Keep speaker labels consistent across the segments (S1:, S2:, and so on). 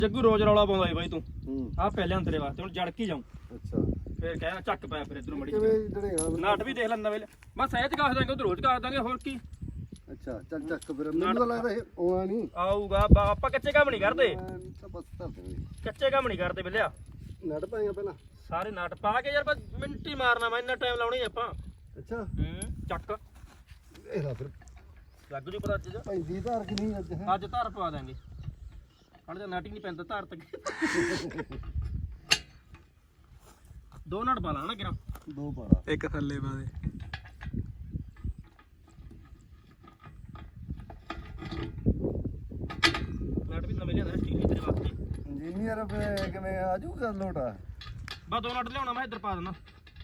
S1: ਜੱਗੂ ਰੋਜ਼ ਰੌਲਾ ਪਾਉਂਦਾ ਈ ਬਾਈ ਤੂੰ ਆ ਪਹਿਲਾਂ ਤੇਰੇ ਵਾਸਤੇ ਹੁਣ ਜੜ ਕੀ ਜਾਉਂ
S2: ਅੱਛਾ
S1: ਫੇਰ ਕਹਿਣਾ ਚੱਕ ਪਿਆ ਫਿਰ ਇਧਰੋਂ ਮੜੀ
S2: ਕਿਵੇਂ ਜੜੇਗਾ
S1: ਨਾਟ ਵੀ ਦੇਖ ਲੈ ਨਵੇਂ ਬਸ ਇਹ ਚ ਕਾਸ ਦਾਂਗੇ ਉਧਰ ਰੋਜ਼ ਕਾਸ ਦਾਂਗੇ ਹੋਰ ਕੀ
S2: ਅੱਛਾ ਚੱਲ ਚੱਕ ਫਿਰ ਮੈਨੂੰ ਤਾਂ ਲੱਗਦਾ ਇਹ ਆਉਣਾ ਨਹੀਂ
S1: ਆਊਗਾ ਆਪਾਂ ਕੱਚੇ ਕੰਮ ਨਹੀਂ ਕਰਦੇ
S2: ਤਾਂ ਬਸ ਧਰ ਦੇਣੀ
S1: ਕੱਚੇ ਕੰਮ ਨਹੀਂ ਕਰਦੇ ਬਿੱਲਿਆ
S2: ਨੜ ਪਾਏਗਾ ਪਹਿਲਾਂ
S1: ਸਾਰੇ ਨਾਟ ਪਾ ਕੇ ਯਾਰ ਬਸ ਮਿੰਟ ਹੀ ਮਾਰਨਾ ਮੈਂ ਇੰਨਾ ਟਾਈਮ ਲਾਉਣੀ ਆਪਾਂ
S2: ਅੱਛਾ
S1: ਚੱਕ
S2: ਇਹ ਲਾ ਫਿਰ
S1: ਲੱਗ ਜੂ ਪਤਾ ਅੱਜ
S2: ਪੈਂਦੀ ਧਾਰ ਕਿ ਨਹੀਂ ਅੱਜ
S1: ਅੱਜ ਧਾਰ ਪਵਾ ਦਾਂਗੇ ਹਣ ਤਾਂ ਨਾਟ ਹੀ ਨਹੀਂ ਪੈਂਦਾ ਧਾਰ ਤੱਕ ਦੋ ਨਾਟ ਪਾ ਲਾ ਨਾ ਕਿਰਾ
S2: ਦੋ ਪਾਰਾ
S3: ਇੱਕ ਥੱਲੇ ਪਾ ਦੇ
S1: ਨਾਟ ਵੀ ਨਵੇਂ ਲਿਆਂਦਾ ਸਟੀਲ ਤੇਰੇ ਵਾਸਤੇ
S2: ਇੰਜੀਨੀਅਰ ਕਿਵੇਂ ਆ ਜੂਗਾ ਲੋਟਾ
S1: ਬਸ ਦੋ ਨਾਟ ਲਿਆਉਣਾ ਮੈਂ ਇੱਧਰ ਪਾ ਦੇਣਾ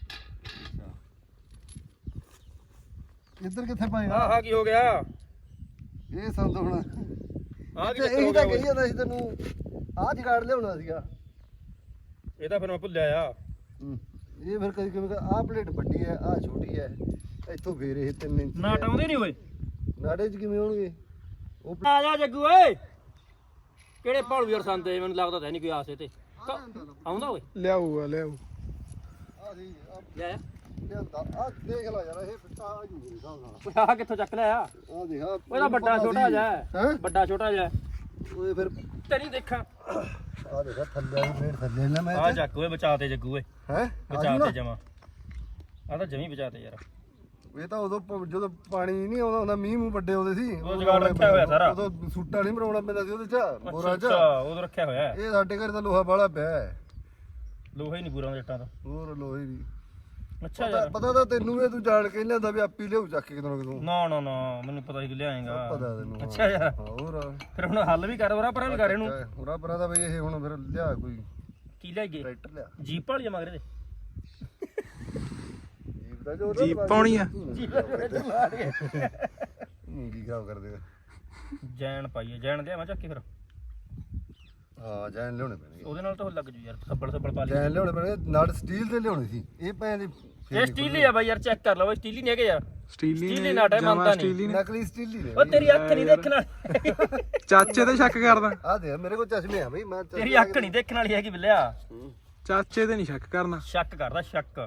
S2: ਇੱਧਰ ਕਿੱਥੇ ਪਾਏਗਾ
S1: ਆਹ ਕੀ ਹੋ ਗਿਆ
S2: ਇਹ ਸੰਦ ਹੁਣ
S1: ਆਹ ਕੀ
S2: ਇਹ ਤਾਂ ਕਹੀ ਜਾਂਦਾ ਸੀ ਤੈਨੂੰ ਆਹ ਜਗਾੜ ਲਿਆਉਣਾ ਸੀਗਾ
S1: ਇਹ ਤਾਂ ਫਿਰ ਮੈਂ ਭੁੱਲਿਆ ਆ
S2: ਇਹ ਫਿਰ ਕਦੀ ਕਿਵੇਂ ਆਹ ਪਲੇਟ ਵੱਡੀ ਹੈ ਆਹ ਛੋਟੀ ਹੈ ਇੱਥੋਂ ਫੇਰ ਇਹ 3 ਇੰਚ
S1: ਨਾਟ ਆਉਂਦੇ ਨਹੀਂ ਓਏ
S2: ਨਾੜੇ 'ਚ ਕਿਵੇਂ ਹੋਣਗੇ ਉਹ
S1: ਆ ਜਾ ਜੱਗੂ ਓਏ ਕਿਹੜੇ ਭੌਲਵੀਰ ਸੰਦੇ ਮੈਨੂੰ ਲੱਗਦਾ ਤਾਂ ਨਹੀਂ ਕੋਈ ਆਸੇ ਤੇ ਆਉਂਦਾ ਓਏ
S3: ਲਿਆਊਗਾ ਲਿਆਊ
S2: ਆ ਸੀ
S1: ਲੈ
S2: ਲਿਆਂਦਾ ਆ ਦੇਖ ਲੈ ਯਾਰ ਇਹ ਫਿੱਟਾ ਆ ਜੂਗੀ ਹਿਸਾਬ ਨਾਲ
S1: ਆ ਕਿੱਥੋਂ ਚੱਕ ਲਿਆ
S2: ਆ ਦੇਖ ਆ
S1: ਉਹਦਾ ਵੱਡਾ ਛੋਟਾ ਜਾ
S2: ਹੈ
S1: ਵੱਡਾ ਛੋਟਾ ਜਾ
S2: ਉਹ ਫਿਰ
S1: ਤੇਰੀ ਦੇਖਾਂ
S2: ਆ ਦੇਖ ਥੱਲੇ ਵਾਲੀ ਪਲੇਟ ਥੱਲੇ ਨਾ ਮੈਂ
S1: ਆ ਚੱਕ ਓਏ ਬਚਾ ਤੇ ਜੱਗੂ ਓਏ
S2: ਹੈ
S1: ਬਚਾ ਤੇ ਜਮਾ ਆ ਤਾਂ ਜਮੀ ਬਚਾ ਤੇ ਯਾਰ
S2: ਇਹ ਤਾਂ ਉਦੋਂ ਜਦੋਂ ਪਾਣੀ ਨਹੀਂ ਆਉਂਦਾ ਹੁੰਦਾ ਮੀਂਹ ਮੂੰਹ ਵੱਡੇ ਆਉਂਦੇ ਸੀ
S1: ਉਹ ਜਗਾੜ ਰੱਖਿਆ ਹੋਇਆ ਸਾਰਾ
S2: ਉਦੋਂ ਸੂਟਾ ਨਹੀਂ ਬਣਾਉਣਾ ਪੈਂਦਾ ਸੀ ਉਹਦੇ 'ਚ ਬੋਰਾ 'ਚ
S1: ਅੱਛਾ ਉਹ ਰੱਖਿਆ ਹੋਇਆ
S2: ਇਹ ਸਾਡੇ ਘਰ ਤਾਂ ਲੋਹਾ ਬਾਲਾ ਪਿਆ ਹੈ
S1: ਲੋਹਾ ਹੀ ਨਹੀਂ ਪੂਰਾ ਜੱਟਾਂ ਦਾ
S2: ਹੋਰ ਲੋਹੇ ਦੀ
S1: ਅੱਛਾ ਯਾਰ
S2: ਪਤਾ ਤਾਂ ਤੈਨੂੰ ਵੀ ਤੂੰ ਜਾਣ ਕੇ ਲਿਆਂਦਾ ਵੀ ਆਪੀ ਲਿਆਉ ਚੱਕ ਕੇ ਕਿਦੋਂ ਕਿਦੋਂ
S1: ਨਾ ਨਾ ਨਾ ਮੈਨੂੰ ਪਤਾ ਸੀ ਕਿ ਲਿਆਏਗਾ
S2: ਪਤਾ ਤੈਨੂੰ
S1: ਅੱਛਾ ਯਾਰ
S2: ਹੋਰ
S1: ਫਿਰ ਹੁਣ ਹੱਲ ਵੀ ਕਰ ਵਰਾ ਪਰਾਂ ਵੀ ਕਰ ਇਹਨੂੰ
S2: ਹੋਰਾ ਪਰਾਂ ਦਾ ਬਈ ਇਹ ਹੁਣ ਫਿਰ ਲਿਆ ਕੋਈ
S1: ਕੀ ਲੈ ਗਏ
S2: ਟਰੈਕਟਰ ਲਿਆ
S1: ਜੀਪ ਵਾਲੀ ਮਗਰੇ ਦੇ
S2: ਜੀਪ ਦਾ ਜੋ
S3: ਜੀਪ ਪਾਉਣੀ ਆ
S1: ਜੀਪ ਲਾ ਕੇ
S2: ਕੀ ਖਰਾਬ ਕਰ ਦੇਗਾ
S1: ਜੈਨ ਪਾਈਏ ਜੈਨ ਲਿਆ ਮੈਂ ਚੱਕ ਕੇ ਫਿਰ
S2: ਹਾਂ ਜੈਨ ਲਿਆਉਣੇ ਪੈਣਗੇ
S1: ਉਹਦੇ ਨਾਲ ਤਾਂ ਲੱਗ ਜੂ ਯਾਰ ਸੱਬਲ ਪਾ ਲਈ
S2: ਜੈਨ ਲਿਆਉਣੇ ਪੈਣਗੇ ਨਾਲ ਸਟੀਲ ਦੇ ਲਿਆਉਣੇ ਸੀ ਇਹ ਪੈਣ ਦੀ
S1: ਇਹ ਸਟੀਲੀ ਆ ਬਾਈ ਯਾਰ ਚੈੱਕ ਕਰ ਲਓ ਸਟੀਲੀ ਨਹੀਂ ਹੈਗੇ ਯਾਰ
S3: ਸਟੀਲੀ
S1: ਸਟੀਲੀ ਨਾਟ ਹੈ ਮੰਨਦਾ ਨਹੀਂ
S2: ਨਕਲੀ ਸਟੀਲੀ ਨੇ
S1: ਉਹ ਤੇਰੀ ਅੱਖ ਨਹੀਂ ਦੇਖਣ ਵਾਲੀ
S3: ਚਾਚੇ ਤੇ ਸ਼ੱਕ ਕਰਦਾ
S2: ਆ ਦੇ ਮੇਰੇ ਕੋਲ ਚਸ਼ਮੇ ਆ ਬਈ ਮੈਂ
S1: ਤੇਰੀ ਅੱਖ ਨਹੀਂ ਦੇਖਣ ਵਾਲੀ ਹੈਗੀ ਬਿੱਲਿਆ
S3: ਚਾਚੇ ਤੇ ਨਹੀਂ ਸ਼ੱਕ ਕਰਨਾ
S1: ਸ਼ੱਕ ਕਰਦਾ ਸ਼ੱਕ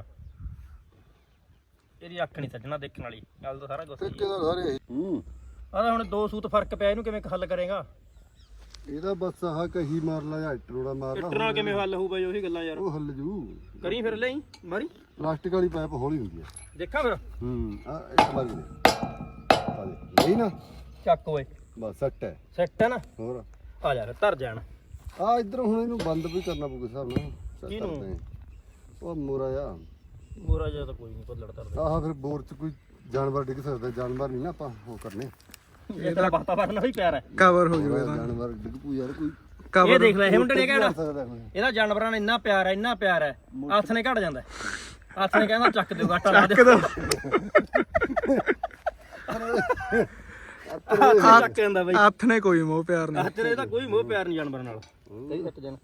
S1: ਤੇਰੀ ਅੱਖ ਨਹੀਂ ਸੱਜਣਾ ਦੇਖਣ ਵਾਲੀ ਗੱਲ ਤਾਂ ਸਾਰਾ ਕੁਝ
S2: ਠੇਕੇਦਾਰ ਸਾਰੇ
S1: ਆ ਤਾਂ ਹੁਣ ਦੋ ਸੂਤ ਫਰਕ ਪਿਆ ਇਹਨੂੰ ਕਿਵੇਂ ਹੱਲ ਕਰੇਗਾ
S2: ਇਹਦਾ ਬਸ ਆਹ ਕਹੀ ਮਾਰ ਲਾ ਜਾਂ ਟਰੋੜਾ ਮਾਰ ਲਾ
S1: ਟਰਨਾ ਕਿਵੇਂ ਹੱਲ ਹੋਊ ਬਾਈ ਉਹੀ ਗੱਲਾਂ ਯਾਰ
S2: ਉਹ ਹੱਲ ਜੂ
S1: ਕਰੀ ਫਿਰ ਲਈ ਮਾਰੀ
S2: ਪਲਾਸਟਿਕ ਵਾਲੀ ਪਾਈਪ ਹੌਲੀ ਹੁੰਦੀ ਹੈ
S1: ਦੇਖਾਂ ਫਿਰ
S2: ਆ ਇੱਕ ਵਾਰੀ ਦੇ ਪਾ ਦੇ ਨਹੀਂ ਨਾ
S1: ਚੱਕ ਓਏ
S2: ਬਸ ਸੱਟ ਹੈ
S1: ਸੈੱਟ ਹੈ ਨਾ
S2: ਹੋਰ
S1: ਆ ਜਾ ਫਿਰ ਧਰ ਜਾਣ
S2: ਆ ਇਧਰ ਹੁਣ ਇਹਨੂੰ ਬੰਦ ਵੀ ਕਰਨਾ ਪਊਗਾ ਹਿਸਾਬ ਨਾਲ
S1: ਕਿਹਨੂੰ?
S2: ਉਹ ਮੋਰਾ ਆ
S1: ਮੋਰਾ ਜਿਹਾ ਤਾਂ ਕੋਈ ਨਹੀਂ ਭੱਲੜ ਧਰਦਾ
S2: ਆਹ ਫਿਰ ਬੋਰ ਚ ਕੋਈ ਜਾਨਵਰ ਡਿੱਗ ਸਕਦਾ ਜਾਨਵਰ ਨਹੀਂ ਨਾ ਆਪਾਂ ਉਹ ਕਰਨੇ
S1: ਇਹ ਤਾਂ ਵਾਤਾਵਰਨ ਵੀ ਪਿਆਰ ਹੈ
S3: ਕਵਰ ਹੋ ਜਾਊਗਾ ਤਾਂ
S2: ਜਾਨਵਰ ਡਿੱਗ ਪੂ ਯਾਰ ਕੋਈ
S1: ਇਹ ਦੇਖ ਲੈ ਇਹ ਮੁੰਡੇ ਨੇ ਕਹਿਣਾ
S2: ਸਕਦਾ ਕੋਈ
S1: ਇਹਦਾ ਜਾਨਵਰਾਂ ਨਾਲ ਇੰਨਾ ਪਿਆਰ ਹੈ ਹੱਥ ਨੇ ਘਟ ਜਾਂਦਾ ਹੱਥ ਨੇ ਕਹਿੰਦਾ ਚੱਕ ਦਿਓ ਗਾਟਾ ਲਾ ਦੇ ਚੱਕ ਜਾਂਦਾ ਬਈ
S3: ਹੱਥ ਨੇ ਕੋਈ ਮੋਹ ਪਿਆਰ ਨਹੀਂ
S1: ਤੇਰੇ ਤਾਂ ਕੋਈ ਮੋਹ ਪਿਆਰ ਨਹੀਂ ਜਾਨਵਰਾਂ ਨਾਲ ਸਹੀ ਸੱਟ ਜਾਣ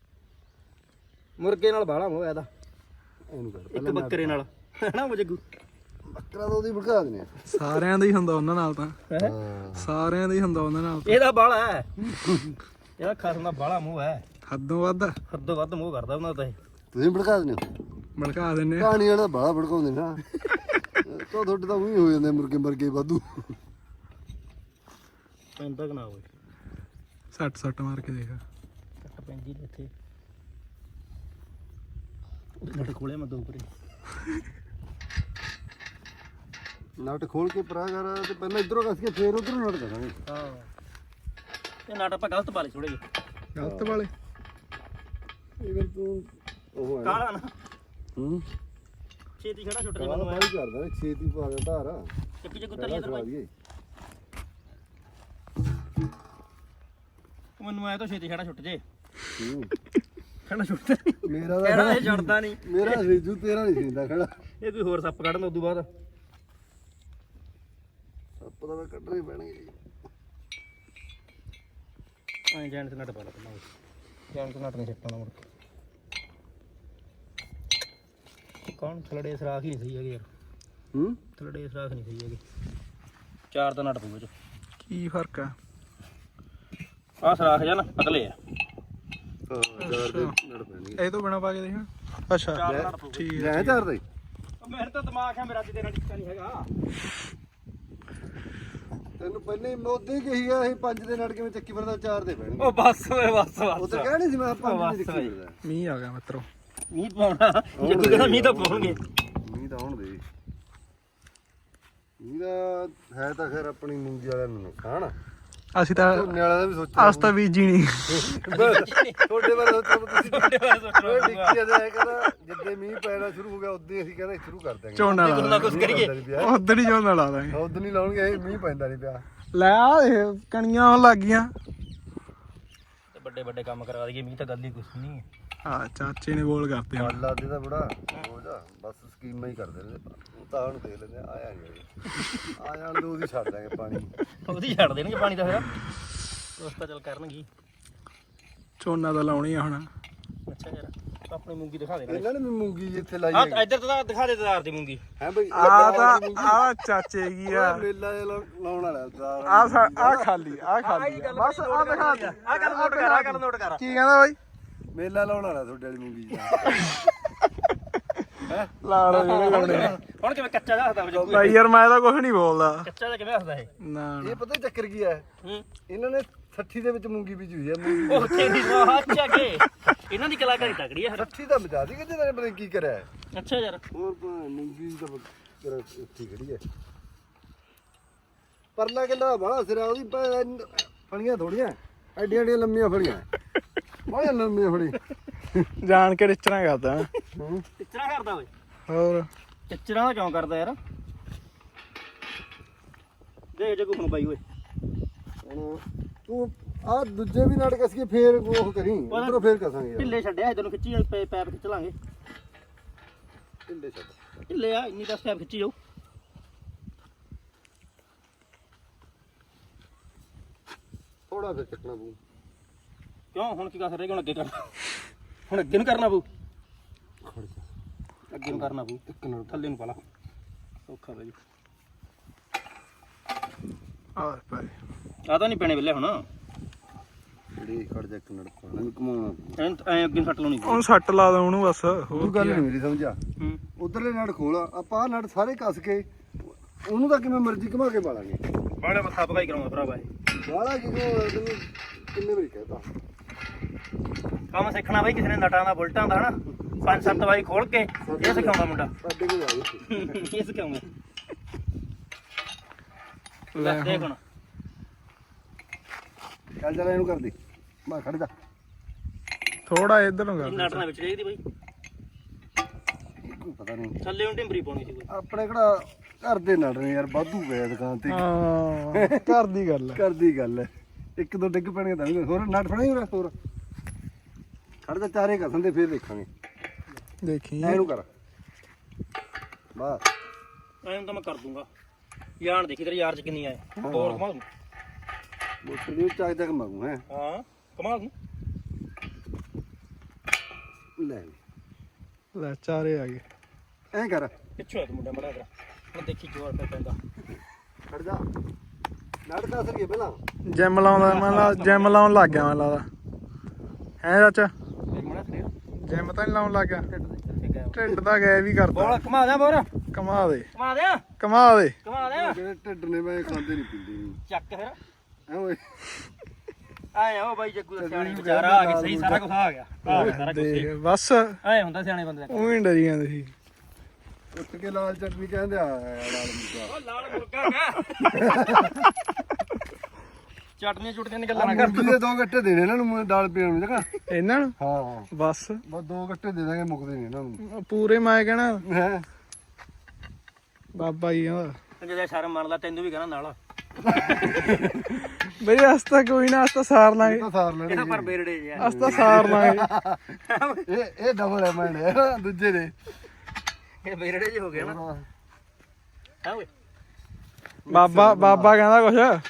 S1: ਮੁਰਗੇ ਨਾਲ ਬਾਹਲਾ ਮੋਹ ਇਹਦਾ
S2: ਇਹਨੂੰ ਕਰ
S1: ਇੱਕ ਬੱਕਰੇ ਨਾਲ ਹੈਨਾ ਜੱਗੂ
S2: ਬੱਕਰਾ ਤਾਂ ਉਹਦੀ ਭੜਕਾ ਦਿੰਦੇ ਆ
S3: ਸਾਰਿਆਂ ਦਾ ਹੀ ਹੁੰਦਾ ਉਹਨਾਂ ਨਾਲ ਤਾਂ
S2: ਹਾਂ
S3: ਸਾਰਿਆਂ ਦਾ ਹੀ ਹੁੰਦਾ ਉਹਨਾਂ ਨਾਲ
S1: ਇਹਦਾ ਬਾਹਲਾ ਹੈ ਇਹਦਾ ਖਸਮ ਦਾ ਬਾਹਲਾ ਮੋਹ ਹੈ
S3: ਹੱਦੋਂ ਵੱਧ
S1: ਹੱਦੋਂ ਵੱਧ ਮੋਹ ਕਰਦਾ ਉਹਨਾਂ ਦਾ ਇਹ
S2: ਤੁਸੀਂ ਭੜਕਾ ਦਿੰਦੇ ਹੋ
S3: ਭੜਕਾ ਦਿੰਨੇ
S2: ਕਹਾਣੀ ਵਾਲਾ ਬਾਹਲਾ ਭੜਕਾਉਂਦੇ ਨਾ ਤਾਂ ਤੁਹਾਡੇ ਤਾਂ ਉਹੀ ਹੋ ਜਾਂਦੇ ਮੁਰਗੇ ਮਰਗੇ ਵਾਧੂ
S1: ਪੈਂਦਾ ਕਿ ਨਾ ਹੋਵੇ
S3: ਸੱਟ ਮਾਰ ਕੇ ਦੇਖ
S1: ਕੱਟ ਪੈਂਦੀ ਨੇ ਇੱਥੇ ਨਟ ਖੋਲੇ ਮੈਂ ਦੋ ਪਰੇ
S2: ਨਟ ਖੋਲ ਕੇ ਪਰਾ ਕਰ ਤੇ ਪਹਿਲਾਂ ਇਧਰੋਂ ਕੱਸ ਕੇ ਫੇਰ ਉਧਰੋਂ ਨਟ ਕਰਾਂਗੇ
S1: ਹਾਂ ਇਹ ਨਟ ਆਪਾਂ ਗਲਤ ਪਾ ਲਏ ਥੋੜੇ ਜਿਹੇ
S3: ਗਲਤ ਵਾਲੇ
S2: ਇਹ ਫਿਰ ਤੂੰ ਉਹ ਹੈ
S1: ਕਾਲਾ ਨਾ
S2: ਛੇਤੀ
S1: ਖੜਾ ਛੁੱਟ ਜੇ
S2: ਕਾਲਾ
S1: ਮੈਨੂੰ
S2: ਪਾਣੀ ਕਰਦਾ ਨਾ ਛੇਤੀ ਪਾ ਦੇ ਧਾਰ
S1: ਚੱਕੀ ਚੱਕੂ ਤਰੀ ਇਧਰ ਭਾਈ ਮੈਨੂੰ ਆਇਆ ਤਾਂ ਛੇਤੀ ਖੜਾ ਛੁੱਟ ਜੇ ਖੜਾ ਛੁੱਟਦਾ
S2: ਮੇਰਾ
S1: ਕਿਹੜਾ ਇਹ ਛੱਡਦਾ ਨਹੀਂ
S2: ਮੇਰਾ ਰੇਜੂ ਤੇਰਾ ਨਹੀਂ ਸੀਂਦਾ ਖੜਾ
S1: ਇਹ ਕੋਈ ਹੋਰ ਸੱਪ ਕੱਢਣ ਉਦੋਂ ਬਾਅਦ
S2: ਸੱਪ ਦਾ ਕੱਢਣੇ ਪੈਣਗੇ
S1: ਐਂ ਜੈਂਟ ਨਟ ਪਾ ਲਾ ਪਹਿਲਾਂ ਜੈਂਟ ਨਟ ਨਹੀਂ ਛੱਟਣਾ ਮੁੜ ਕੇ ਕੌਣ ਥਲੜੇ ਸਰਾਖ ਹੀ ਨਹੀਂ ਸਹੀ ਹੈਗੇ ਯਾਰ ਥਲੜੇ ਸਰਾਖ ਨਹੀਂ ਸਹੀ ਹੈਗੇ ਚਾਰ ਦਾ ਨਟ ਪਊਗਾ ਚ
S3: ਕੀ ਫਰਕ ਆ
S1: ਆਹ ਸਰਾਖ ਜਾਂ ਨਾ ਪਤਲੇ ਆ
S2: ਚਾਰ ਦੇ ਨੜ ਪੈਣਗੇ
S3: ਇਹ ਤੋਂ ਬਿਨਾ ਪਾ ਕੇ ਦੇਖਾਂ ਅੱਛਾ ਠੀਕ ਹੈ
S2: ਲੈ ਚਾਰ ਦੇ
S1: ਮੇਰੇ ਤਾਂ ਦਿਮਾਗ ਹੈ ਮੇਰਾ ਅੱਜ ਤੇਰਾ ਟਿੱਕਾ ਨਹੀਂ ਹੈਗਾ।
S2: ਤੈਨੂੰ ਪਹਿਲੇ ਹੀ ਮੋਦੀ ਕਹੀ ਆ ਇਹ 5 ਦੇ ਨੜ ਕਿਵੇਂ ਚੱਕੀ ਫਿਰਦਾ 4 ਦੇ ਪੈਣਗੇ।
S1: ਉਹ ਬਸ ਓਏ ਬਸ
S2: ਉਹ ਤਾਂ ਕਹਿਣੀ ਸੀ ਮੈਂ 5 ਨਹੀਂ ਦੇਖੀ ਫਿਰਦਾ।
S3: ਮੀਂਹ ਆ ਗਿਆ ਮਿੱਤਰੋ।
S1: ਮੀਂਹ ਪਾਉਣਾ ਜੇ ਕੋਈ ਕਹਿੰਦਾ ਮੀਂਹ ਤਾਂ ਪਾਉਣਗੇ।
S2: ਮੀਂਹ ਤਾਂ ਆਉਣ ਦੇ ਮੀਂਹ ਦਾ ਹੈ ਤਾਂ ਖੈਰ ਆਪਣੀ ਮੂੰਗੀ ਵਾਲਿਆਂ ਨੂੰ ਨੁਕਸਾਨ
S3: ਅਸੀਂ ਤਾਂ
S2: ਝੋਨੇ ਵਾਲਿਆਂ ਦਾ ਵੀ ਸੋਚਿਆ
S3: ਅਸ ਤਾਂ ਬੀਜੀ ਨਹੀਂ
S2: ਤੁਹਾਡੇ ਬਾਰੇ ਸੋਚੋ ਤੁਸੀਂ ਓਏ ਡਿੱਕੀ ਜਾਏ ਕਹਿੰਦਾ ਜਿੱਦੇ ਮੀਂਹ ਪੈਣਾ ਸ਼ੁਰੂ ਹੋ ਗਿਆ ਉਦੋਂ ਅਸੀਂ ਕਹਿੰਦਾ ਸ਼ੁਰੂ ਕਰ ਦਾਂਗੇ
S3: ਝੋਨਾ ਲਾ
S1: ਕੁਝ ਨਾ ਕੁਝ ਕਰੀਏ।
S3: ਉਧਰ ਹੀ ਝੋਨਾ ਲਾ ਦਾਂਗੇ।
S2: ਉਦੋਂ ਨਹੀਂ ਲਾਉਣਗੇ ਇਹ ਮੀਂਹ ਪੈਂਦਾ ਨਹੀਂ ਪਿਆ
S3: ਲੈ ਆ ਇਹ ਕਣੀਆਂ ਆਉਣ ਲੱਗ ਗਈਆਂ।
S1: ਤੇ ਵੱਡੇ ਵੱਡੇ ਕੰਮ ਕਰਾ ਦਈਏ ਮੀਂਹ ਤਾਂ ਗੱਲ ਹੀ ਕੁਛ ਨਹੀਂ ਹੈ।
S3: ਹਾਂ ਚਾਚੇ ਨੇ ਬੋਲ ਕਰਤੇ ਹੁਣ।
S2: ਅੱਲਾ ਦੇ ਤਾਂ ਬੜਾ ਹੋ ਜਾ ਬਸ ਸਕੀਮਾਂ ਹੀ ਕਰਦੇ ਨੇ ਉਹ ਤਾਂ ਹੁਣ ਦੇਖ ਲੈਂਦੇ ਆਇਆ ਨਹੀਂ ਆ ਜਾਣ ਦੋ ਉਹਦੀ ਛੱਡ ਦਾਂਗੇ ਪਾਣੀ
S1: ਉਹਦੀ ਛੱਡ ਦੇਣਗੇ ਪਾਣੀ ਤਾਂ ਫਿਰ ਉਸ ਤਾਂ ਚੱਲ ਕਰਨਗੇ।
S3: ਝੋਨਾ ਤਾਂ ਲਾਉਣੀ ਆ ਹੁਣ।
S1: ਅੱਛਾ ਯਾਰ ਆਪਣੀ ਮੂੰਗੀ ਦਿਖਾ ਦੇ
S2: ਇਹਨਾਂ ਨੇ ਵੀ ਮੂੰਗੀ ਜਿੱਥੇ ਲਾਈ
S1: ਹਾਂ
S2: ਹੈ
S1: ਇੱਧਰ ਤਾਂ ਦਿਖਾ ਦੇ ਤਦਾਰ ਦੀ ਮੂੰਗੀ
S2: ਹੈ ਬਈ
S3: ਆ ਤਾਂ ਆ ਚਾਚੇ ਕੀ ਆ
S2: ਮੇਲਾ ਲਾਉਣ ਵਾਲਾ ਤਾਰ
S3: ਆ ਖਾਲੀ ਆ ਖਾਲੀ ਆ। ਬਸ ਆ ਦਿਖਾ ਦੇ
S1: ਆ ਗੱਲ ਨੋਟ ਕਰ ਆ ਗੱਲ ਨੋਟ ਕਰ
S3: ਕੀ ਕਹਿੰਦਾ ਬਾਈ
S2: ਮੇਲਾ ਲਾਉਣ ਵਾਲਾ ਤੁਹਾਡੇ ਵਾਲੀ ਮੂੰਗੀ
S3: ਲਾ ਲਓ ਜਿਹੜੇ ਲਾਉਣੇ ਆ।
S1: ਹੁਣ ਕਿਵੇਂ ਕੱਚਾ ਦੱਸਦਾ ਵਜੂ
S3: ਬਾਈ ਯਾਰ ਮੈਂ ਤਾਂ ਕੁਝ ਨਹੀਂ ਬੋਲਦਾ
S1: ਕੱਚਾ ਤਾਂ ਕਿਵੇਂ ਦੱਸਦਾ ਇਹ
S3: ਨਾ
S2: ਇਹ ਪਤਾ ਚੱਕਰ ਕੀ ਹੈ
S1: ਹੂੰ
S2: ਇਹਨਾਂ ਨੇ 60 ਦੇ ਵਿੱਚ ਮੂੰਗੀ ਬੀਜੀ ਹੋਈ ਹੈ ਮੂੰਗੀ
S1: ਉਹ ਤੇਰੀ ਅੱਛਾ ਕੇ ਇਹਨਾਂ ਦੀ ਕਲਾਕਾਰੀ ਤਕੜੀ ਹੈ
S2: 60 ਦਾ ਮਚਾ ਦੀ ਕਿ ਜਿਹਨਾਂ ਨੇ ਪਤਾ ਕੀ ਕਰਿਆ ਹੈ।
S1: ਅੱਛਾ ਯਾਰ
S2: ਹੋਰ ਮੂੰਗੀ ਤਾਂ ਤੇਰਾ ਇੱਥੇ ਖੜੀ ਹੈ ਪਰਲਾ ਕਿੱਲਾ ਬੜਾ ਸਿਰਾ ਉਹਦੀ ਫਲੀਆਂ ਥੋੜੀਆਂ ਐਡੀਆਂ ਐਡੀਆਂ ਲੰਮੀਆਂ ਫਲੀਆਂ ਬਹੁਤ ਲੰਮੀਆਂ ਫੜੀ
S3: ਜਾਣ ਕੇ ਰਿਚਣਾ ਕਰਦਾ
S1: ਟਿੱਚਰਾ ਕਰਦਾ ਓਏ
S3: ਹੋਰ
S1: ਟਿੱਚਰਾ ਦਾ ਕਿਉਂ ਕਰਦਾ ਯਾਰ ਦੇਖ ਜੇ ਕੋਈ ਹੁਣ ਬਾਈ ਓਏ
S2: ਹੁਣ ਤੂੰ ਆ ਦੂਜੇ ਵੀ ਨਾਟਕ ਅਸੀਂ ਫੇਰ ਉਹ ਕਰੀ ਉਧਰੋਂ ਫੇਰ ਕਸਾਂਗੇ ਯਾਰ
S1: ਢਿੱਲੇ ਛੱਡਿਆ ਇਧਰ ਨੂੰ ਖਿੱਚੀ ਪੈਪ ਖਿੱਚ ਲਾਂਗੇ
S2: ਢਿੱਲੇ ਛੱਡ
S1: ਢਿੱਲੇ ਆ ਇੰਨੀ 10 ਪੈਪ ਖਿੱਚੀ ਜਾਓ
S2: ਥੋੜਾ ਫੇਰ ਚੱਕਣਾ ਪਊ
S1: ਕਿਉਂ ਹੁਣ ਕੀ ਕਰ ਰਹੇ ਹੁਣ ਅੱਗੇ ਕਰਨਾ ਹੁਣ ਅੱਗੇ ਨੂੰ ਕਰਨਾ ਪਊ
S2: ਖੜ ਜਾ
S1: ਅੱਗੇ ਨੂੰ ਕਰਨਾ ਪਊ
S2: ਇੱਕ ਨਾਲ
S1: ਥੱਲੇ ਨੂੰ ਪਾ ਲਾ ਔਖਾ ਬਾਈ
S3: ਆ ਭਾਈ
S1: ਆ ਤਾਂ ਨਹੀਂ ਪੈਣੇ ਵੇਲੇ ਹੁਣ
S2: ਜਿਹੜੀ ਖੜ ਜਾ ਇੱਕ ਨਾਲ ਪਾਣਾ ਵੀ ਘਮਾਉਣਾ
S1: ਐ ਅੱਗੇ ਨੂੰ ਸੱਟ ਲਾਉਣੀ
S3: ਉਹਨੂੰ ਸੱਟ ਲਾ ਦੋ ਉਹਨੂੰ ਬਸ ਹੋਰ
S2: ਉਹ ਗੱਲ ਨਹੀਂ ਮੇਰੀ ਸਮਝਾ
S1: ਹੂੰ
S2: ਉਧਰਲੇ ਨੜ ਖੋਲ ਆਪਾਂ ਆਹ ਨੜ ਸਾਰੇ ਕੱਸ ਕੇ ਉਹਨੂੰ ਤਾਂ ਕਿਵੇਂ ਮਰਜ਼ੀ ਘਮਾ ਕੇ ਪਾਲਾਂਗੇ
S1: ਬਾੜੇ ਮੱਥਾ ਪਕਾਈ ਕਰਾਉਂਦਾ ਭਰਾਵਾ ਇਹ
S2: ਵਾਲਾ ਤੈਨੂੰ ਕਿੰਨੇ ਵਾਰੀ ਕਹਿਤਾ
S1: ਕੰਮ ਸਿੱਖਣਾ ਬਾਈ ਕਿਸੇ ਨੇ ਨਟਾਂ ਦਾ ਬੁਲਟਾਂ ਦਾ ਹਨਾ 5-7 ਵਾਰੀ ਖੋਲ ਕੇ ਇਹ ਸਿਖਾਉਂਦਾ ਮੁੰਡਾ
S2: ਸਾਡੇ ਕੋਲ ਆ ਗਏ
S1: ਇਹ ਸਿਖਾਉਂਦਾ
S3: ਲੈ
S1: ਲੈ ਦੇਖ ਹੁਣ
S2: ਚੱਲ ਚੱਲ ਇਹਨੂੰ ਕਰ ਦੇ ਮੈਂ ਖੜ ਜਾ
S3: ਥੋੜਾ ਇੱਧਰ ਨੂੰ
S1: ਇਹ
S3: ਕਰ
S1: ਨਟ ਨਾਲ ਵਿੱਚ ਚਾਹੀਦੀ ਬਾਈ
S2: ਕੋਈ ਪਤਾ ਨਹੀਂ
S1: ਥੱਲੇ ਨੂੰ ਢਿੰਬਰੀ ਪਾਉਣੀ ਸੀ ਕੋਈ
S2: ਆਪਣੇ ਕਿਹੜਾ ਘਰ ਦੇ ਨੜ ਨੇ ਯਾਰ ਵਾਧੂ ਗਏ ਦੁਕਾਨ ਤੇ
S3: ਹਾਂ ਘਰ ਦੀ ਗੱਲ ਹੈ
S2: ਘਰ ਦੀ ਗੱਲ ਹੈ ਇੱਕ ਦੋ ਡਿੱਗ ਪੈਣਗੇ ਤਾਂ ਵੀ ਹੋਰ ਨਟ ਫੜਾਈ ਹੋਰ ਖੜ ਜਾ ਚਾਰੇ ਕਸਨ ਦੇ ਫੇਰ ਦੇਖਾਂਗੇ
S3: ਦੇਖੀ
S2: ਇਹਨੂੰ ਕਰ ਬਸ
S1: ਐਂ ਤਾਂ ਮੈਂ ਕਰ ਦੂੰਗਾ ਯਾਰ ਦੇਖੀ ਤੇਰੇ ਯਾਰ ਚ ਕਿੰਨੀ ਆਏ ਹੋਰ ਕਮਾ ਦੂੰ
S2: ਮੋਟਰ ਦੀ ਚਾਹ ਤੱਕ ਮੰਗੂ ਹੈ
S1: ਹਾਂ ਕਮਾ ਦੂੰ
S2: ਲੈ
S3: ਲੈ ਚਾਰੇ ਆ ਗਏ
S2: ਐਂ ਕਰ
S1: ਪਿੱਛੋਂ ਤੂੰ ਮੁੰਡਾ ਮੜਾ ਕਰ ਹੁਣ ਦੇਖੀ ਜੋਰ ਪੈ ਪੈਂਦਾ
S2: ਖੜ ਜਾ ਨੜ ਦੱਸ ਰਹੀ ਪਹਿਲਾਂ
S3: ਜਿਮ ਲਾਉਂਦਾ ਮੈਂ ਲਾ ਜਿਮ ਲਾਉਣ ਲੱਗ ਗਿਆ ਮੈਂ ਲੱਗਦਾ ਹੈ ਚਾਚਾ
S1: ਇਹ ਮੜਾ ਖੜਿਆ
S3: ਜਿਮ ਤਾਂ ਨਹੀਂ ਲਾਉਣ ਲੱਗ ਗਿਆ
S1: ਠੀਕ ਹੈ
S3: ਢਿੱਡ ਤਾਂ ਗਏ ਵੀ ਕਰਦਾ
S1: ਬੋਲ ਕਮਾ ਦਿਆਂ ਬੋਰ
S3: ਕਮਾ ਦੇ
S1: ਕਮਾ ਦਿਆਂ
S3: ਕਮਾ ਦੇ
S1: ਕਮਾ ਦਿਆਂ
S2: ਜਿਹੜੇ ਢਿੱਡ ਨੇ ਮੈਂ ਖਾਂਦੇ ਨਹੀਂ ਪੀਂਦੇ ਨਹੀਂ
S1: ਚੱਕ ਫਿਰ
S2: ਐ ਓਏ
S1: ਆਏ ਉਹ ਬਾਈ ਜੱਗੂ ਦਾ ਸਿਆਣੀ ਵਿਚਾਰਾ ਆ ਗਿਆ ਸਹੀ ਸਾਰਾ ਕੁਝ ਆ ਗਿਆ ਆ ਗਿਆ ਸਾਰਾ ਕੁਝ
S3: ਦੇਖ ਬਸ
S1: ਐ ਹੁੰਦਾ ਸਿਆਣੇ ਬੰਦੇ ਦਾ
S3: ਉਹੀ ਡਰੀ ਜਾਂਦੇ ਸੀ
S2: ਉੱਠ ਕੇ ਲਾਲ ਚਟਨੀ ਕਹਿੰਦੇ ਆ ਲਾਲ ਮੁਰਗਾ
S1: ਉਹ ਲਾਲ ਮੁਰਗਾ ਗਾ ਚਟਨੀ ਚੁਟਨੀਆਂ ਦੀ ਗੱਲਾਂ ਨਾ ਕਰ
S2: ਮੂੰਗੀ ਦੇ 2 ਗੱਟੇ ਦੇਣੇ ਇਹਨਾਂ ਨੂੰ ਦਾਲ ਪੀਣ ਨੂੰ ਜਗਾ
S3: ਇਹਨਾਂ ਨੂੰ
S2: ਹਾਂ
S3: ਬਸ
S2: ਬਸ 2 ਗੱਟੇ ਦੇ ਦਾਂਗੇ ਮੁੱਕਦੇ ਨਹੀਂ ਇਹਨਾਂ ਨੂੰ
S3: ਪੂਰੇ ਮੈਂ ਕਹਿਣਾ
S2: ਹੈ
S3: ਬਾਬਾ ਜੀ ਕਹਿੰਦਾ
S1: ਜਦੋਂ ਸ਼ਰਮ ਮੰਨ ਲਾ ਤੈਨੂੰ ਵੀ ਕਹਿਣਾ ਨਾਲ
S3: ਬਈ ਅਸਤਾ ਕੋਈ ਨਾ ਅਸਤਾ ਸਾਰ ਲਾਂਗੇ
S2: ਤਾਂ ਸਾਰ ਲੈਣੇ
S1: ਇਹਦਾ ਪਰ ਬੇਰੜੇ ਜਿਹਾ
S3: ਅਸਤਾ ਸਾਰ ਲਾਂਗੇ
S2: ਇਹ ਡਬਲ ਹੈ ਮੈਂਡੇ ਦੂਜੇ ਦੇ
S1: ਇਹ ਬੇਰੜੇ ਜਿਹੇ ਹੋ ਗਏ ਨਾ ਹਾਂ ਓਏ
S3: ਬਾਬਾ ਕਹਿੰਦਾ ਕੁਛ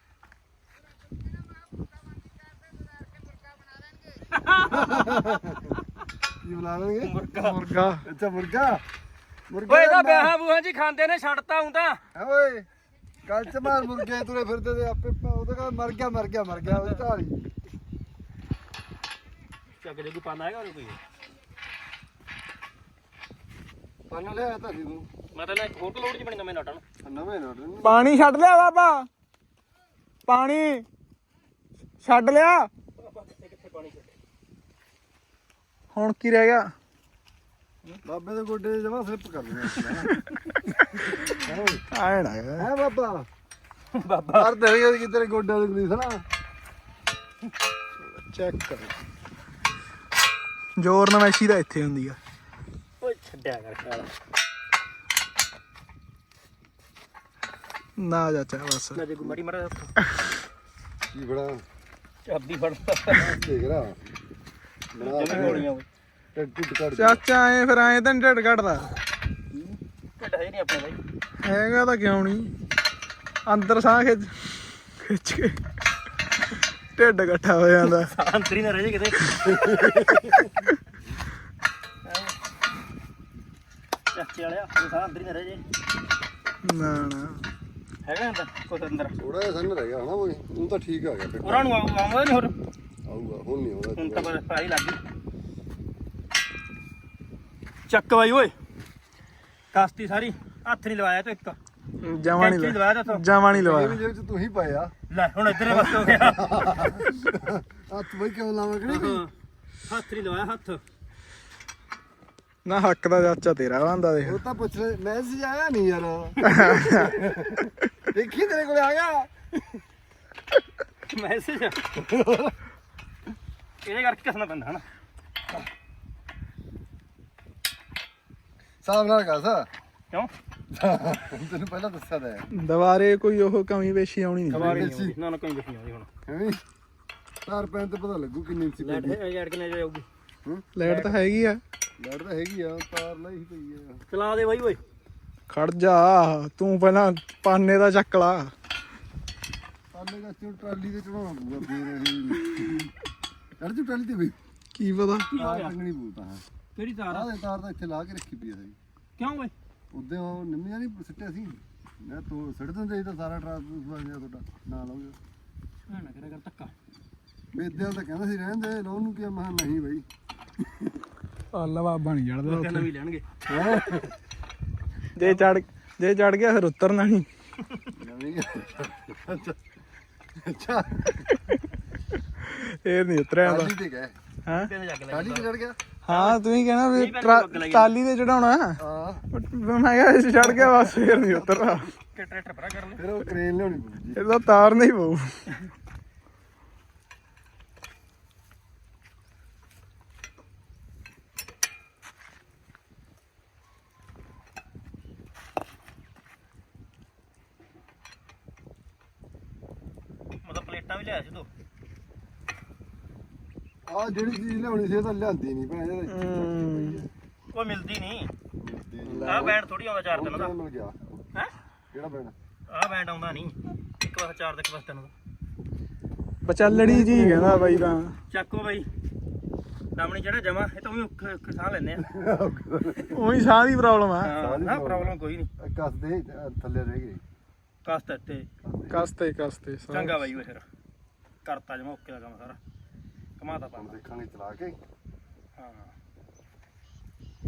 S2: ਕੀ ਬੁਲਾ ਲੈਣਗੇ
S3: ਮੁਰਗਾ
S2: ਅੱਛਾ ਮੁਰਗਾ ਮੁਰਗਾ
S1: ਓਏ ਇਹਦਾ ਵਿਆਹਾਂ ਬੂਹਾਂ ਜੀ ਖਾਂਦੇ ਨੇ ਛੱਡਤਾ ਹੁੰਦਾ
S2: ਹੈ ਓਏ ਕੱਲ ਚ ਮਾਰ ਮੁਰਗੇ ਤੁਰੇ ਫਿਰਦੇ ਤੇ ਆਪੇ ਉਹਦੇ ਕਾ ਮਰ ਗਿਆ ਉਹ ਢਾਲੀ
S1: ਚੱਕ ਜੇ ਕੋਈ ਪਾਣਾ ਹੈਗਾ ਉਹ ਕੋਈ
S2: ਪਾਣਾ ਲਿਆ ਤਾਂ ਸੀ ਤੂੰ
S1: ਮੈਂ ਤਾਂ ਨਾ ਇੱਕ ਹੋਰ ਲੋਡ ਚ ਬਣੀ ਨਵੇਂ ਨਟਾਂ
S2: ਨਵੇਂ ਨੋਟ
S3: ਪਾਣੀ ਛੱਡ ਲਿਆ ਬਾਬਾ ਪਾਣੀ ਛੱਡ ਲਿਆ
S1: ਕਿੱਥੇ ਪਾਣੀ
S3: ਹੁਣ ਕੀ ਰਹਿ ਗਿਆ
S2: ਬਾਬੇ ਦੇ ਗੋਡੇ ਜਮਾ ਸਲਿੱਪ ਕਰ ਲਿਆ
S3: ਆਏ ਨਾ
S2: ਹੈ ਬਾਬਾ
S1: ਬਾਬਾ
S2: ਹਰ ਦੇ ਕਿ ਤੇਰੇ ਗੋਡਿਆਂ ਦੀ ਗਰੀਸ ਨਾ
S3: ਚੈੱਕ ਕਰ ਜ਼ੋਰ ਨਵੈਸ਼ੀ ਦਾ ਇੱਥੇ ਹੁੰਦੀ ਆ
S1: ਓਏ ਛੱਡਿਆ ਕਰ ਖਿਆਲ
S3: ਨਾ ਚਾਚਾ ਬਸ
S1: ਨਾ ਜੇ ਕੋਈ ਮੜੀ ਮੜਾ
S2: ਕੀ ਬੜਾ
S1: ਚਾਬੀ ਫੜਦਾ
S2: ਦੇਖ ਰਾ
S1: ਜਿਵੇਂ ਗੋਲੀਆਂ ਓਏ
S2: ਟਿੱਡ ਕੱਢ
S3: ਚਾਚਾ ਐ ਫਿਰ ਐ ਤਾਂ ਨੀ ਢਿੱਡ ਘਟਦਾ
S1: ਢਿੱਡ ਹੈ ਨਹੀਂ ਆਪਣੇ ਬਾਈ
S3: ਹੈਗਾ ਤਾਂ ਕਿਉਂ ਨਹੀਂ ਅੰਦਰ ਸਾਹ ਖਿੱਚ ਕੇ ਢਿੱਡ ਇਕੱਠਾ ਹੋ ਜਾਂਦਾ
S1: ਅੰਦਰ ਹੀ ਨਾ ਰਹਿ ਜੇ ਕਿਤੇ ਚਾਚੇ ਵਾਲਿਆ ਉਹ ਸਾਰਾ ਅੰਦਰ ਹੀ ਨਾ ਰਹਿ ਜੇ
S3: ਨਾ ਨਾ
S1: ਹੈਗਾ ਅੰਦਰ ਕੁਛ ਅੰਦਰ
S2: ਥੋੜਾ ਜਿਹਾ ਸੰਨ ਰਹਿ ਗਿਆ ਹਨਾ ਉਹ ਉਹ ਤਾਂ ਠੀਕ ਆ ਗਿਆ ਫਿਰ
S1: ਉਹਨਾਂ ਨੂੰ ਆਉਂਦਾ ਨਹੀਂ ਹੋਰ
S2: ਆਊਗਾ ਹੁਣ ਨਹੀਂ ਆਉਂਦਾ
S1: ਹੁਣ ਤਾਂ ਬਸ ਫਰਾਈ ਲੱਗ ਗਈ ਚੱਕ ਬਾਈ ਓਏ ਕਾਸਤੀ ਸਾਰੀ ਹੱਥ ਨਹੀਂ ਲਵਾਇਆ ਤੂੰ ਇੱਕ
S3: ਜਮਾ
S1: ਕੈਂਚੀ
S3: ਨਹੀਂ
S1: ਲਵਾਇਆ ਤਾ ਤੂੰ
S3: ਜਮਾ ਨਹੀਂ
S2: ਇਹ
S3: ਲਵਾਇਆ
S2: ਵੀ ਜੇਬ ਚ ਤੂੰ ਹੀ ਪਾਇਆ
S1: ਲੈ ਹੁਣ ਇੱਧਰ ਬਸ ਹੋ ਗਿਆ
S2: ਹੱਥ ਬਈ ਕਿਉਂ ਲਾਵਾਂ ਕਿਹੜੀ ਵੀ
S1: ਹੱਥ ਨਹੀਂ ਲਵਾਇਆ ਹੱਥ
S3: ਨਾ ਹੱਕ ਦਾ ਚਾਚਾ ਤੇਰਾ ਬੰਦਾ ਦੇਖ
S2: ਉਹ ਤਾਂ ਪੁੱਛ ਲੈ ਮੈਸੇਜ ਆਇਆ ਨਹੀਂ ਯਾਰ ਦੇਖੀ ਤੇਰੇ ਕੋਲ ਆ ਗਿਆ
S1: ਮੈਸੇਜ ਇਹਦੇ ਕਰਕੇ ਕਿਸਨਾ ਪੈਂਦਾ ਹਨਾ
S2: ਸਾਹਬ ਨਾਲ ਕਾ
S1: ਕਿਉਂ
S2: ਤੈਨੂੰ ਪਹਿਲਾਂ ਦੱਸਿਆ ਤਾਂ ਹੈ
S3: ਦੁਬਾਰੇ ਕੋਈ ਉਹ ਕਮੀ ਪੇਸ਼ੀ ਆਉਣੀ ਨਹੀਂ
S1: ਕਵਾਰੀ ਨਹੀਂ ਆਉਂਦੀ ਨਾ ਨਾ ਕੋਈ ਨਹੀਂ ਆਉਂਦੀ ਹੁਣ
S2: ਐਵੇਂ ਤਾਰ ਪੈਣ ਤੇ ਪਤਾ ਲੱਗੂ ਕਿੰਨੀ ਇੰਚੀ
S1: ਲੈਟ
S2: ਪੈਂਦੀ
S1: ਹੈ ਕਿੰਨੇ ਜਾਊਗੀ
S3: ਲਾਈਟ ਤਾਂ ਹੈਗੀ ਆ
S2: ਲੈਟ ਤਾਂ ਹੈਗੀ ਆ ਤਾਰ ਲਈ ਪਈ ਆ
S1: ਚਲਾ ਦੇ ਬਾਈ ਓਏ
S3: ਖੜ ਜਾ ਤੂੰ ਪਹਿਲਾਂ ਪਾਨੇ ਦਾ ਚੱਕ ਲਾ
S2: ਪਾਲੇ ਦਾ ਟਰਾਲੀ ਤੇ ਚੜਾਉਣਾ ਪਊਗਾ ਫੇਰ ਇਹ ਚੜ ਜੂ ਟਰਾਲੀ ਤੇ ਬਈ
S3: ਕੀ ਪਤਾ
S2: ਤਾਰ ਟੰਗਣੀ ਪਊ ਤਾਂ ਹਾਂ
S1: ਕਿਹੜੀ ਤਾਰ
S2: ਆਹ ਦੇ ਤਾਰ ਤਾਂ ਇੱਥੇ ਲਾ ਕੇ ਰੱਖੀ ਪਈ ਆ ਸਹੀ
S1: ਕਿਉਂ ਓਏ
S2: ਉਦੋਂ ਉਹ ਨਿੰਮੀਆਂ ਨਹੀਂ ਸਿੱਟਿਆ ਸੀ ਮੈਂ ਤੂੰ ਸਿੱਟ ਦਿੰਦੇ ਸੀ ਤਾਂ ਸਾਰਾ ਟਰਾਂਸਫਰ ਤੁਹਾਡਾ ਨਾਲ ਹੋ ਗਿਆ
S1: ਨਾ ਕਰਿਆ ਕਰ ਧੱਕਾ
S3: ਵੇਦਿਆਂ ਤਾਂ ਕਹਿੰਦਾ ਸੀ ਰਹਿਣ ਦੇ ਲੋਨ ਨੂੰ ਕੀ ਮੈਂ ਕਿਹਾ ਨਹੀਂ ਬਾਈ ਅੱਲਾ ਬਾਬਾ ਨਹੀਂ ਚੜਦਾ
S1: ਕਹਿੰਦਾ ਵੀ ਲੈਣਗੇ
S3: ਜੇ ਚੜ ਗਿਆ ਫਿਰ ਉਤਰਨਾ ਨਹੀਂ
S2: ਅੱਛਾ
S3: ਇਹ ਨਹੀਂ ਉਤਰਿਆ ਦਾ
S2: ਟਾਲੀ ਤੇ ਗਏ
S3: ਹਾਂ
S1: ਕਹਿੰਦੇ ਜੱਗ ਲੈ
S2: ਟਾਲੀ ਤੇ ਚੜ ਗਿਆ
S3: ਹਾਂ ਤੂੰ ਹੀ ਕਹਿਣਾ ਵੀ ਟਾਲੀ ਤੇ ਚੜਾਉਣਾ
S2: ਹਾਂ
S3: ਮੈਂ ਕਿਹਾ ਇਸ ਚੜ ਗਿਆ ਬਸ ਫਿਰ ਨਹੀਂ ਉਤਰਨਾ
S1: ਟਰੈਕਟਰ ਭਰਾ ਕਰ ਲੈ
S2: ਫਿਰ ਉਹ ਕ੍ਰੇਨ ਲਿਆਉਣੀ ਪਊ ਜੀ
S3: ਇਹਦਾ ਤਾਰ ਨਹੀਂ ਪਊ
S1: ਮਤਲਬ ਪਲੇਟਾਂ ਵੀ ਲਿਆ ਸੀ ਤੂੰ
S2: ਆਹ ਜਿਹੜੀ ਚੀਜ਼ ਲਿਆਉਣੀ ਸੀ ਇਹ ਤਾਂ ਲਿਆਂਦੀ ਨਹੀਂ ਭੈਣ
S1: ਕੋਈ ਮਿਲਦੀ ਨਹੀਂ ਆਹ ਬੈਂਡ ਥੋੜੀ ਆਉਂਦਾ ਚਾਰ ਦਿਨ ਦਾ
S2: ਮਿਲ ਗਿਆ
S1: ਹੈ
S2: ਕਿਹੜਾ ਪੈਣਾ
S1: ਆਹ ਬੈਂਡ ਆਉਂਦਾ ਨਹੀਂ ਇੱਕ ਵਾਰ ਚਾਰ ਦੇ ਇੱਕ ਵਾਰ ਤਿੰਨ ਦਾ
S3: ਬਚਲੜੀ ਜੀ ਕਹਿੰਦਾ ਬਾਈ ਤਾਂ
S1: ਚੱਕੋ ਬਾਈ ਨਾਮਣੀ ਜਿਹੜਾ ਜਮਾ ਇਹ ਤਾਂ ਵੀ ਔਖੇ ਸਾਹ ਲੈਨੇ ਆ
S3: ਉਹੀ ਸਾਹ ਦੀ ਪ੍ਰੋਬਲਮ ਆ
S1: ਹਾਂ ਨਾ ਪ੍ਰੋਬਲਮ ਕੋਈ ਨਹੀਂ
S2: ਕੱਸਦੇ ਥੱਲੇ ਰਹਿ ਗਏ
S1: ਕਸਤ ਤੇ
S3: ਕਸਤੇ
S1: ਚੰਗਾ ਬਾਈ ਓਏ ਫਿਰ ਕਰਤਾ ਜਮਾ ਓਕੇ ਦਾ ਕੰਮ ਸਾਰਾ ਕਮਾਤਾ ਪਾ
S2: ਹੁਣ ਦੇਖਾਂਗੇ ਚਲਾ ਕੇ
S1: ਹਾਂ